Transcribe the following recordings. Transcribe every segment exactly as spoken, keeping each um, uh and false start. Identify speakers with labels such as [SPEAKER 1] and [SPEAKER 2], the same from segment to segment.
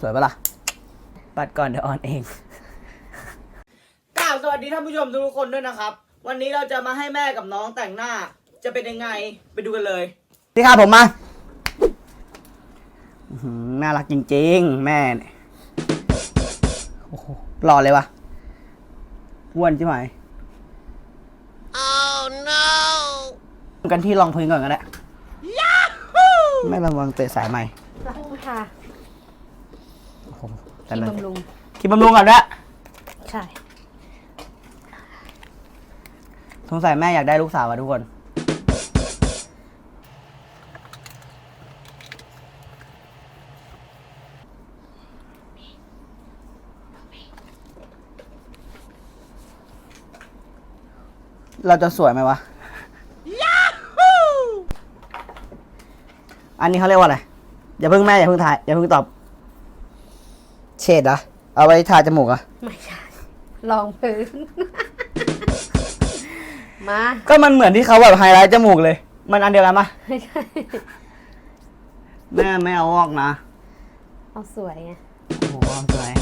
[SPEAKER 1] สวยปะล่ะปัดก่อนเดี๋ยวออนเองกล่าวสวัสดีท่านผู้ชมทุกคนด้วยนะครับวันนี้เราจะมาให้แม่กับน้องแต่งหน้าจะเป็นยังไงไปดูกันเลยพี่ครับผมมาน่ารักจริงๆแม่เนี่ยโอ้โหหล่อเลยวะอ้วนใช่ไหม oh no กันที่รองพื้นก่อนก็ได้แม่ระวังเตะสายใหม่
[SPEAKER 2] ค่ะครีมบำรุง
[SPEAKER 1] ครีมบำรุงก่อนด้วย
[SPEAKER 2] ใช่
[SPEAKER 1] สงสัยแม่อยากได้ลูกสาวอะทุกคนเราจะสวยไหมวะอันนี้เขาเรียกว่าอะไรอย่าเพิ่งแม่อย่าเพิ่งถ่ายอย่าเพิ่งตอบเฉดเหรอเอาไว้ทาจมูกอ่ะ
[SPEAKER 2] ไม่ใช่รองพื้นมา
[SPEAKER 1] ก็มันเหมือนที่เขาแบบไฮไลท์จมูกเลยมันอันเดียวกันปะ
[SPEAKER 2] ไม่ใช่
[SPEAKER 1] แม่ไม่เอาออกนะ
[SPEAKER 2] เอาสวยไง
[SPEAKER 1] โอ้โหเอาสวย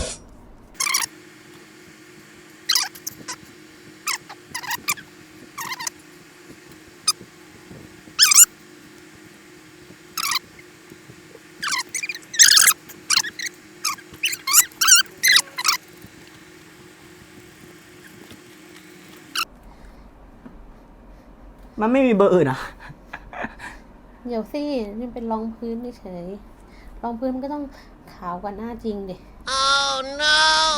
[SPEAKER 1] มันไม่มีเบอร์อื่นอ่ะ
[SPEAKER 2] เดี๋ยวสินี่เป็นรองพื้นเฉยรองพื้นมันก็ต้องขาวกว่าหน้าจริงดิ oh no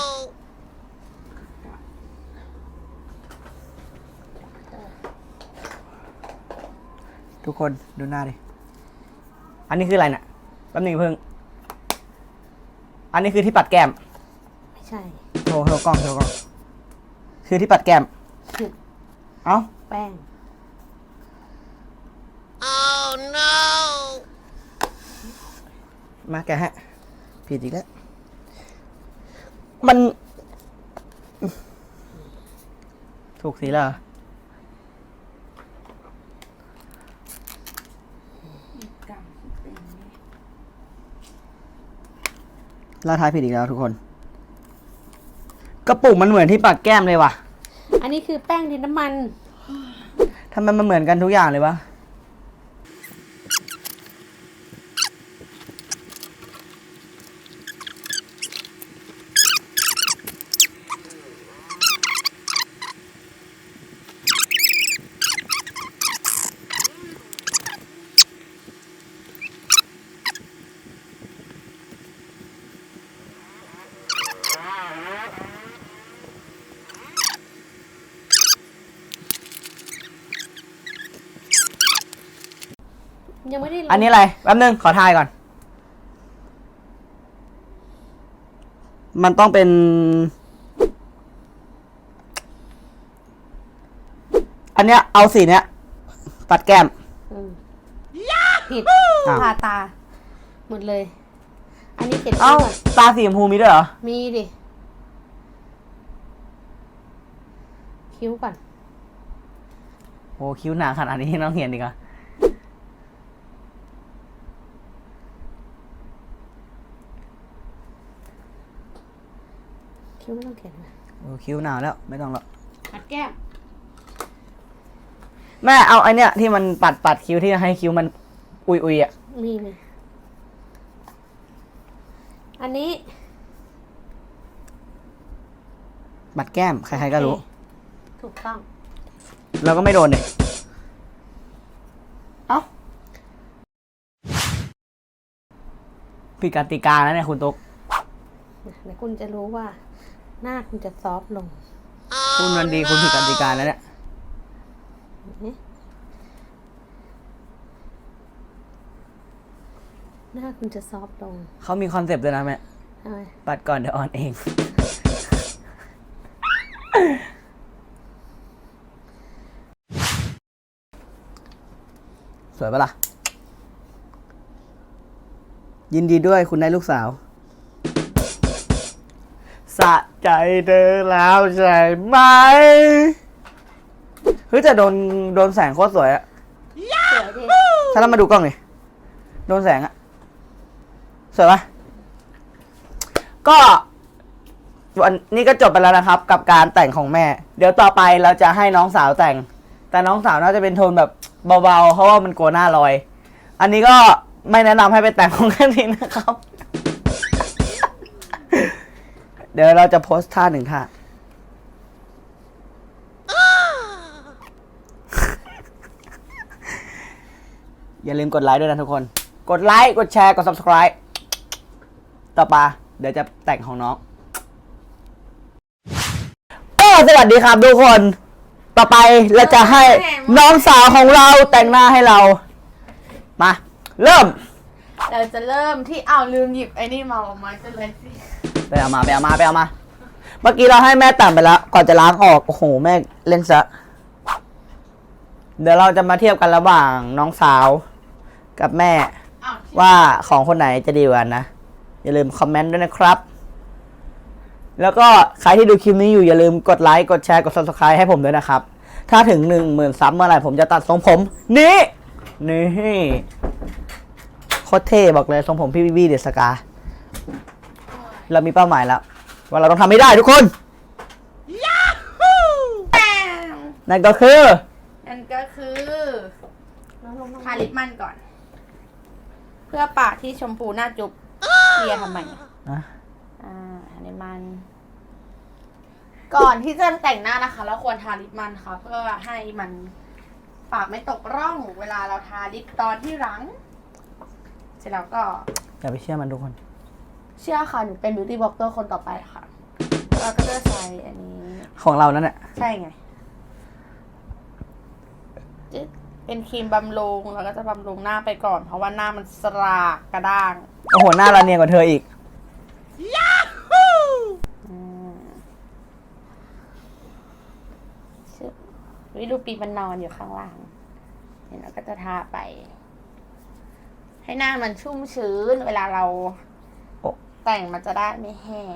[SPEAKER 1] ทุกคนดูหน้าดิอันนี้คืออะไรน่ะแป๊บนึงเพิ่งอันนี้คือที่ปัดแก้ม
[SPEAKER 2] ไม่ใช่
[SPEAKER 1] โชว์โชว์กล้องโชว์กล้องคือที่ปัดแก้มเอ้า
[SPEAKER 2] แป้ง
[SPEAKER 1] oh no มาแกฮะผิดอีกแล้วมันถูกสีแล้วเราทายผิดอีกแล้วทุกคนกระปุกมันเหมือนที่ปัดแก้มเลยว่ะ
[SPEAKER 2] อันนี้คือแป้งดินน้ำมัน
[SPEAKER 1] ทำไมมันเหมือนกันทุกอย่างเลยวะ
[SPEAKER 2] ยังไม่ได้
[SPEAKER 1] อันนี้อะไรแป๊บนึงขอทายก่อนมันต้องเป็นอันเนี้ยเอาสีเนี้ยปัดแก้ม
[SPEAKER 2] ผิดทาตาหมดเลยอันนี้เจ็ด
[SPEAKER 1] เอ้าตาสีชมพูมีด้วยเหรอ
[SPEAKER 2] มีดิคิ้วก่อน
[SPEAKER 1] โอ้คิ้วหนาขนาดนี้น้องเห็นดีกว่า
[SPEAKER 2] คิ้วไม่ต้องเขียนนะ
[SPEAKER 1] โอ้คิ้วหนาวแล้วไม่ต้องหรอก
[SPEAKER 2] ปัดแก้ม
[SPEAKER 1] แม่เอาไอเนี้ยที่มันปัดปัดคิ้วที่ให้คิ้วมันอุยอุยอ่ะ
[SPEAKER 2] มีไหมอันนี้
[SPEAKER 1] ปัดแก้มใครๆก็รู้
[SPEAKER 2] ถูกต้อง
[SPEAKER 1] เราก็ไม่โดนเลยเอ้าผิดกติกาแล้วเนี่ยคุณตุ๊ก
[SPEAKER 2] เดี๋ยวคุณจะรู้ว่าหน้าคุณจะซอฟลง
[SPEAKER 1] คุณมันดีคุณผิดกติกาแล้วเนี่ย
[SPEAKER 2] หน้าคุณจะซอฟลง
[SPEAKER 1] เขามีคอนเซปต์ด้วยนะแม่ปัดก่อนเดี๋ยวออนเองสวยปะล่ะยินดีด้วยคุณได้ลูกสาวสะใจเธอแล้วใช่ไหมเฮ้ยแต่โดนโดนแสงโคตรสวยอะ
[SPEAKER 2] สวยดิ
[SPEAKER 1] ถ้าเรามาดูกล้องนี่โดนแสงอะสวยปะก็วันนี้ก็จบไปแล้วนะครับ กับการแต่งของแม่ เดี๋ยวต่อไปเราจะให้น้องสาวแต่ง แต่น้องสาวน่าจะเป็นโทนแบบเบาๆเพราะว่ามันกลัวหน้าลอย อันนี้ก็ไม่แนะนำให้ไปแต่งของแค่นี้นะครับ เดี๋ยวเราจะโพสท่าหนึ่งท่า อย่าลืมกดไลค์ด้วยนะทุกคน กดไลค์ กดแชร์ กด ซับสไครบ์ ต่อไปเดี๋ยวจะแต่งของน้องก็สวัสดีครับทุกคน ต่อไปเราจะให้น้องสาวของเราแต่งหน้าให้เรา มา เริ่ม
[SPEAKER 2] เราจะเริ่มที่เอาลืมหยิบไอ้นี่มาออกมาจะเลยสิ
[SPEAKER 1] ไปเอามาไปเอามาไปเอามา เมื่อกี้เราให้แม่แต่งไปแล้ว ก่อนจะล้างออก โอ้โห แม่เล่นซะ เดี๋ยวเราจะมาเทียบกันระหว่างน้องสาวกับแม่ ว่าของคนไหนจะดีกว่ากันนะ อย่าลืมคอมเมนต์ด้วยนะครับ แล้วก็ใครที่ดูคลิปนี้อยู่อย่าลืมกดไลค์ กดแชร์ กด ซับสไครบ์ ให้ผมด้วยนะครับ ถ้าถึงหนึ่งหมื่นซับเมื่อไหร่ผมจะตัดทรงผม นี่ นี่โคตรเท่บอกเลยทรงผมพี่บี้เดอะสกา เรามีเป้าหมายแล้ว ว่าเราต้องทำให้ได้ทุกคน นั่นก็คือ
[SPEAKER 2] นั่นก็คือทาลิปมันก่อน เพื่อปากที่ชมพูหน้าจุ๊บเลียทำไม
[SPEAKER 1] อ่ะ
[SPEAKER 2] อ่าทาลิปมัน ก่อนที่จะแต่งหน้านะคะเราควรทาลิปมันค่ะ เพื่อให้มันปากไม่ตกร่องเวลาเราทาลิปตอนที่หลัง เสร็จแล้วก็
[SPEAKER 1] อย่าไปเชื่อมันทุกคน
[SPEAKER 2] เชื่อค่ะหนูเป็นบิวตี้บล็อกเกอร์คนต่อไปค่ะเราก็จะใช้อันนี้
[SPEAKER 1] ของเรานั่นแหละ
[SPEAKER 2] ใช่ไงจึ๊ดเป็นครีมบำรุงเราก็จะบำรุงหน้าไปก่อน เพราะว่าหน้ามันสรากกระด้าง
[SPEAKER 1] โอ้โห หน้าเราเนียนกว่าเธออีก
[SPEAKER 2] อืมชึบวิดูปีมันนอนอยู่ข้างล่างเนี่ยเราก็จะทาไป ให้หน้ามันชุ่มชื้น เวลาเรา
[SPEAKER 1] โอ้
[SPEAKER 2] แต่งมันจะได้ไม่แห้ง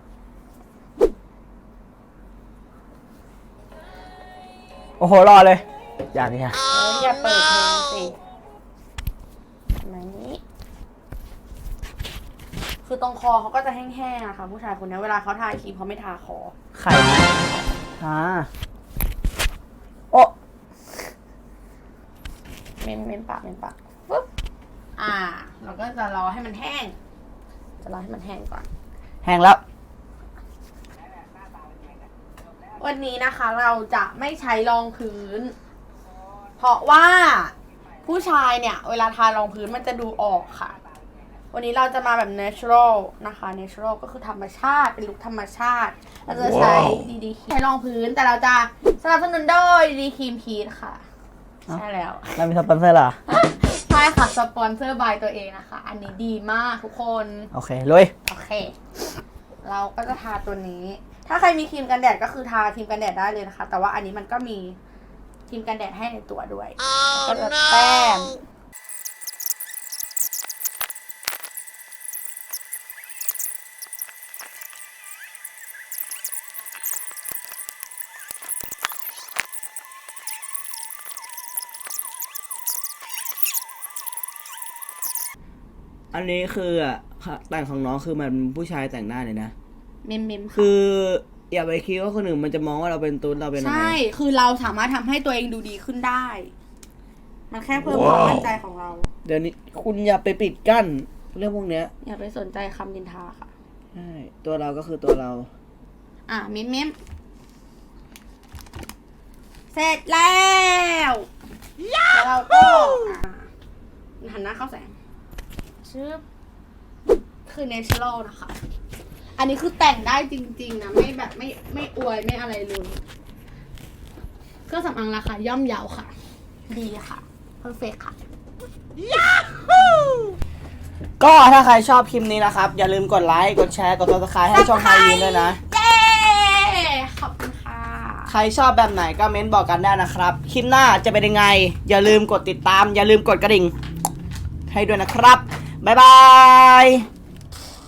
[SPEAKER 1] โอ้โห รอเลย อย่างนี้ค่ะ
[SPEAKER 2] เอออย่าเปิดเพลงสิประมาณนี้ คือตรงคอเขาก็จะแห้งๆอะค่ะ ผู้ชายคนนี้เวลาเขาทาครีมเขาไม่ทาคอ
[SPEAKER 1] ไข่อ่าโอ้
[SPEAKER 2] เม้มเม้มปากเม้มปากปุ๊บอ่า เราก็จะรอให้มันแห้ง จะรอให้มันแห้งก่อน
[SPEAKER 1] แห้งแล้ว
[SPEAKER 2] วันนี้นะคะเราจะไม่ใช้รองพื้น เพราะว่าผู้ชายเนี่ย เวลาทารองพื้นมันจะดูออกค่ะ วันนี้เราจะมาแบบ natural นะคะ natural ก็คือธรรมชาติเป็นลุคธรรมชาติ เราจะใช้ดีดีใช้รองพื้นแต่เราจะสนับสนุนโดยดีครีมพีทค่ะ ใช่แล้ว
[SPEAKER 1] เรามีสปอนเซอร์เหรอ
[SPEAKER 2] ใช่ค่ะ สปอนเซอร์บายตัวเองนะคะ อันนี้ดีมากทุกคน
[SPEAKER 1] โอเคลุย
[SPEAKER 2] โอเค เราก็จะทาตัวนี้ ถ้าใครมีครีมกันแดดก็คือทาครีมกันแดดได้เลยนะคะ แต่ว่าอันนี้มันก็มีครีมกันแดดให้ในตัวด้วย
[SPEAKER 3] Oh,
[SPEAKER 2] ก็จะแต้ม
[SPEAKER 1] อันนี้คืออ่ะแต่งของน้องคือมันผู้ชายแต่งหน้าเลยนะ
[SPEAKER 2] เมมเมมค่ะ
[SPEAKER 1] คืออย่าไปคิดว่าคนอื่นมันจะมองว่าเราเป็นตุ๊ดเราเป็นอะไร
[SPEAKER 2] ใช่ คือเราสามารถทำให้ตัวเองดูดีขึ้นได้ มันแค่เพิ่มความมั่นใจของเรา
[SPEAKER 1] เดี๋ยวนี้คุณอย่าไปปิดกั้นเรื่องพวกเนี้ย
[SPEAKER 2] อย่าไปสนใจคำดินทาค่ะ
[SPEAKER 1] ใช่ตัวเราก็คือตัวเรา
[SPEAKER 2] อ่ะเมมเมมเสร็จแล้วแล้วเราก็อ่ะหันหน้าเข้าแสงชึบคือ natural นะคะ อันนี้คือแต่งได้จริงๆนะ ไม่แบบไม่ไม่อวยไม่อะไรเลยเครื่องสำอางราคาย่อมเยาค่ะ ดีค่ะ perfect ค่ะ
[SPEAKER 1] ก็ถ้าใครชอบคลิปนี้นะครับ อย่าลืมกดไลค์กดแชร์กด ซับสไครบ์ ให้ช่องไฮยีนด้วยนะ
[SPEAKER 2] เย้ขอบคุณค่ะ
[SPEAKER 1] ใครชอบแบบไหนก็เม้นบอกกันได้นะครับ คลิปหน้าจะเป็นยังไง อย่าลืมกดติดตาม อย่าลืมกดกระดิ่งให้ด้วยนะครับ บ๊ายบาย